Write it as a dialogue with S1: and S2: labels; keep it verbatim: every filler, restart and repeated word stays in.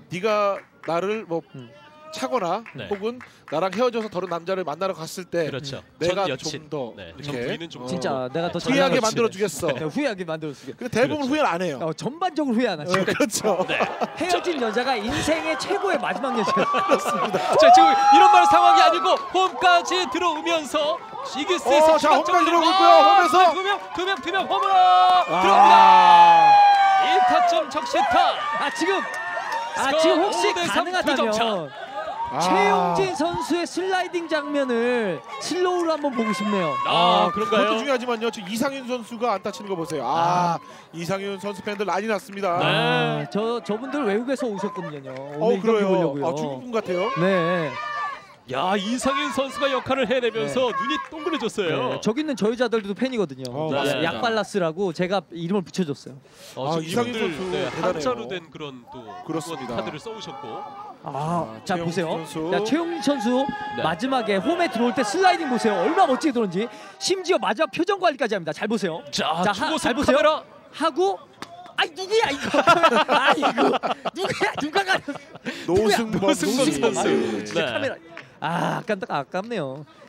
S1: 네가 나를 뭐
S2: 음.
S1: 차거나
S3: 네.
S1: 혹은 나랑 헤어져서 다른 남자를 만나러 갔을 때
S3: 그렇죠.
S1: 내가
S3: 전 여친.
S1: 좀 더
S3: 네.
S4: 전 부인은 좀
S2: 진짜 내가 더
S1: 후회하게
S2: 잘나가지.
S1: 만들어 주겠어.
S2: 네, 후회하게 만들어 주게.
S1: 근데 대부분
S3: 그렇죠.
S1: 후회를 안 해요.
S2: 어, 전반적으로 후회 안 하죠.
S1: 어, 그렇죠.
S3: 네.
S2: 헤어진 여자가 인생의 최고의 마지막 여자.
S3: 자 지금 이런 말 상황이 아니고 홈까지 들어오면서 이글스에서
S1: 어, 자, 홈까지 들어오고 있고요. 홈에서.
S3: 두명두명두명 홈으로 들어옵니다. 일 타점 적시타.
S2: 아 지금 아
S3: 스코어
S2: 지금 혹시
S3: 오 대 삼 두 점 차.
S2: 가능하다면
S1: 아.
S2: 최용진 선수의 슬라이딩 장면을 슬로우로 한번 보고 싶네요.
S3: 아,
S1: 그것도
S3: 그런가요?
S1: 중요하지만요. 지금 이상윤 선수가 안타 치는 거 보세요. 아, 이상윤 선수 팬들 난리 났습니다.
S3: 네.
S2: 아, 저 저분들 외국에서 오셨거든요. 오늘
S1: 어,
S2: 이 경기
S1: 그래요.
S2: 보려고요.
S1: 아, 중국 분 같아요.
S2: 네.
S3: 야 이상윤 선수가 역할을 해내면서 눈이 동그래졌어요.
S2: 네. 저기 있는 저 여자들도 팬이거든요.
S1: 어,
S2: 네.
S3: 맞습니다.
S2: 약발라스라고 제가 이름을 붙여줬어요.
S3: 어,
S1: 아,
S3: 지금
S1: 이상윤
S3: 이분들,
S1: 선수
S3: 네,
S1: 대단해요.
S3: 한자로 된 그런 또
S1: 그렇습니다.
S3: 카드를 써오셨고.
S2: 아,
S1: 아,
S2: 자
S1: 최용진
S2: 보세요.
S1: 선수.
S2: 자 최용진 선수
S3: 네.
S2: 마지막에 홈에 들어올 때 슬라이딩 보세요. 얼마나 멋지게 들어온지. 심지어 마지막 표정 관리까지 합니다. 잘 보세요.
S3: 자,
S2: 자,
S3: 초고속
S2: 하- 잘 보세요.
S3: 카메라.
S2: 하고 아이 누구야 이거? 아 이거 누구야 누가 가?
S1: 노승범
S3: 노승범
S1: 선수.
S3: 선수.
S2: 아유, 진짜
S3: 네.
S2: 카메라. 아 아깝다 아깝네요.